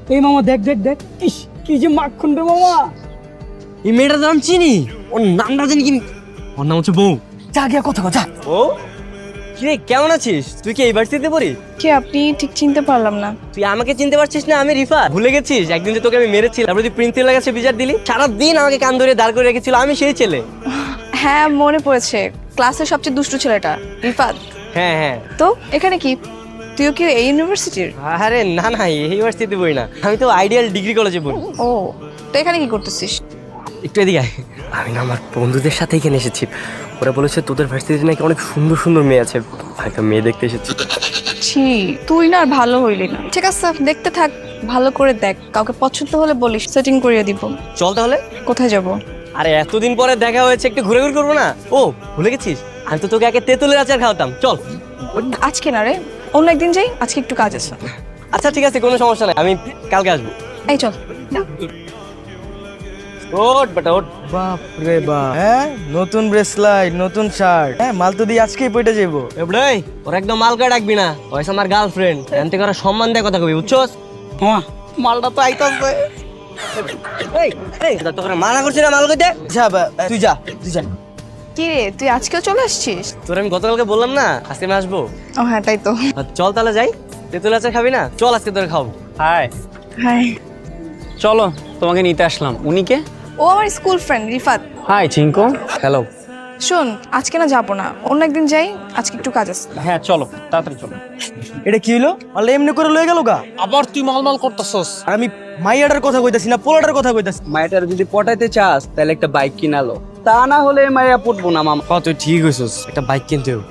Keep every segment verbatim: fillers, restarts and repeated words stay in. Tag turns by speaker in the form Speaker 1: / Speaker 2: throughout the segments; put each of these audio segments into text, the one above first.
Speaker 1: এই মামা দেখ দেখ দেখ, ইস কি যে মাখন রে মামা।
Speaker 2: এই মেয়েটার নাম চিনি, ওর নামটা জানি কি, ওর নাম হচ্ছে বউ।
Speaker 1: যা গিয়া কথা কথা।
Speaker 2: ও কিরে, কেমন আছিস? তুই কি এই ভার্সিটিতে পড়িস?
Speaker 3: কে আপনি? ঠিক চিনতে পারলাম না।
Speaker 2: তুই আমাকে চিনতে পারছিস না? আমি রিফা। ভুলে গেছিস একদিন যে তোকে আমি মেরেছি, তারপরে তুই প্রিন্সিপালের কাছে বিচার দিলি, সারাদিন আমাকে কান ধরে দাঁড় করে রেখেছিল, আমি সেই ছেলে।
Speaker 3: হ্যাঁ মনে পড়েছে, ক্লাসের সবচেয়ে দুষ্টু ছেলেটা রিফাত।
Speaker 2: হ্যাঁ হ্যাঁ।
Speaker 3: তো এখানে কি, তুইও কি এই ইউনিভার্সিটির?
Speaker 2: আরে না না, এই ইউনিভার্সিটিতে পড়ি না, আমি তো আইডিয়াল ডিগ্রি কলেজে পড়ি।
Speaker 3: ও, তো এখানে কি করতেছিস?
Speaker 2: একটু এদিকে আয়। আমি না আমার বন্ধুদের সাথে এখানে এসেছি, ওরা বলেছে তোদের ভার্সিটিতে নাকি অনেক সুন্দর সুন্দর মেয়ে আছে, একটা মেয়ে দেখতে এসেছি।
Speaker 3: ছি, তুই না আর ভালো হইলি না। ঠিক আছে দেখতে থাক, ভালো করে দেখ, কাউকে পছন্দ হলে বলিস, সেটিং করিয়ে দিব।
Speaker 2: চল তাহলে।
Speaker 3: কোথায় যাব?
Speaker 2: আরে এতদিন পরে দেখা হয়েছে, একটু ঘুরে ঘুরে করবো না? ও ভুলে গেছিস, আমি তো তোকে আগে তেঁতুলের আচার খাওয়াতাম, চল।
Speaker 3: আজকে না রে, অন্য একদিন যাই, আজকে একটু কাজ আছে।
Speaker 2: আচ্ছা ঠিক আছে, কোনো সমস্যা নাই, আমি কালকে আসবো।
Speaker 3: এই চল।
Speaker 2: ওঠ বেটা ওঠ।
Speaker 4: বাপ রে বাপ, হ্যাঁ নতুন ব্রেসলাইট, নতুন শার্ট, হ্যাঁ মাল তো দিয়ে আজকেই পয়টা যাবো।
Speaker 2: এবড়াই ওর একদম মালকা ডাকবি না, ওইসব আমার গার্লফ্রেন্ড, এনতে করে সম্মান দিয়ে কথা কবি, বুঝছস?
Speaker 1: মামা
Speaker 2: মালটা তো আইতাছে। এই এই তোকে মানা করছি না মাল কইতে?
Speaker 4: যা বা, তুই যা তুই যা।
Speaker 3: কি রে, তুই আজকেও চলে আসছিস?
Speaker 2: তোর আমি গতকালকে বললাম না আজকে আমি আসবো।
Speaker 3: ও হ্যাঁ তাই তো।
Speaker 2: আর চল তাহলে যাই, তেঁতুল আচার খাবি না? চল আজকে তোরে খাবো।
Speaker 1: Hi,
Speaker 3: hi.
Speaker 1: চলো তোমাকে নিতে আসলাম। উনি কে?
Speaker 3: ও আমার school friend Rifat.
Speaker 1: Hi Chinku. Hello.
Speaker 3: শোন, আজকে না যাবো না, অন্য একদিন যাই, আজকে একটু কাজ আছে।
Speaker 1: হ্যাঁ চলো, তাড়াতাড়ি চলো।
Speaker 4: এটা কি হলো? আল্লাহ এমনি করে লয়ে গেল গা।
Speaker 1: আবার তুই মালমাল করতেছস।
Speaker 4: আর আমি মাইয়াটার কথা কইতাছি না, পোলাটার কথা কইতাছি।
Speaker 1: মায়াটার যদি পটাইতে চাস তাহলে একটা বাইক কিনালো, তা না হলে মায়া পটবো না মামা।
Speaker 2: হ তুই ঠিক হইছস, একটা বাইক কিনতে হবে।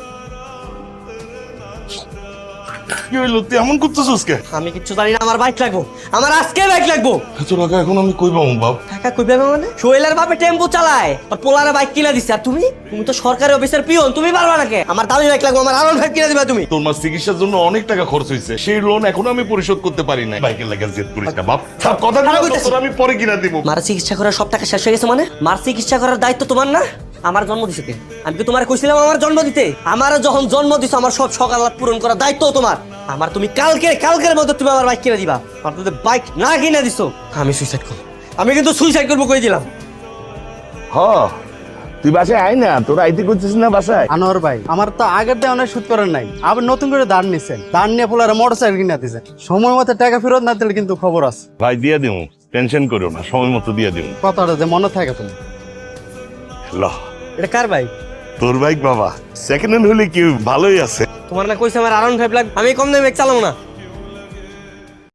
Speaker 5: কি হইলো, তুই এমন করতেছিস কে?
Speaker 2: আমি কিচ্ছু জানি না, আমার বাইক লাগবো, আমার আজকে বাইক লাগবো।
Speaker 5: এত টাকা এখন আমি কই পাবো বাপ?
Speaker 2: টাকা কই পাবে মানে? সোহেলের বাপে টেম্পো চালায় আর পোলারে বাইক কিনা দিছে, আর তুমি তুমি তো সরকারি অফিসার পিয়ন, তুমি পারবা না কে? আমার দামি বাইক লাগবো, আমার আরো বাইক কিনা দিবা তুমি।
Speaker 5: তোর মার চিকিৎসার জন্য অনেক টাকা খরচ হয়েছে, সেই লোন এখনো আমি পরিশোধ করতে পারি নাই। বাইকের লাগা জেদ করিস না বাপ, সব কথা
Speaker 2: ভালো
Speaker 5: দিলাম,
Speaker 2: কইতাছিস।
Speaker 5: তোর আমি পরে কিনা দিব।
Speaker 2: মার চিকিৎসা করার সব টাকা শেষ হয়ে গেছে মানে? মার চিকিৎসা করার দায়িত্ব তোমার না? আমার জন্ম দিছে কে? আমি কি তোমার কইছিলাম আমার জন্ম দিতে? আমার যখন জন্ম দিছো, আমার সব সকাল পূরণ করার দায়িত্ব তোমার। আমার তুমি কালকে কালকের মধ্যে তুমি আমার বাইক কিনে দিবা। আর তুমি বাইক না কিনে দিছো, আমি সুইসাইড করব। আমি কিন্তু সুইসাইড করবো কই দিলাম।
Speaker 5: হ, তুই বাসায় আয় না, তোর আইতে করছিস না বাসায়?
Speaker 6: আনোয়ার ভাই, আমার তো আগের দিয়ে অনেক সুদ করার নাই, আবার নতুন করে দাঁড় নিছেন, দাঁড় নিয়ে পোলারে মোটর সাইকেল কিনে দিয়েছেন, সময় মতো টাকা ফেরত না দিলে কিন্তু খবর আছে।
Speaker 5: ভাই দিয়ে দিও, টেনশন করো না, সময় মতো দিয়ে দিও।
Speaker 6: কথাটা যে মনে থাকে তুমি।
Speaker 5: ল,
Speaker 2: এটা কার বাইক?
Speaker 5: তোর বাইক বাবা, সেকেন্ড হ্যান্ড হলে কি ভালোই আছে।
Speaker 2: তোমার না কইছে আমার আরাউন্ড ফাইভ লাগবে, আমি কম দামে বাইক চালাবো না।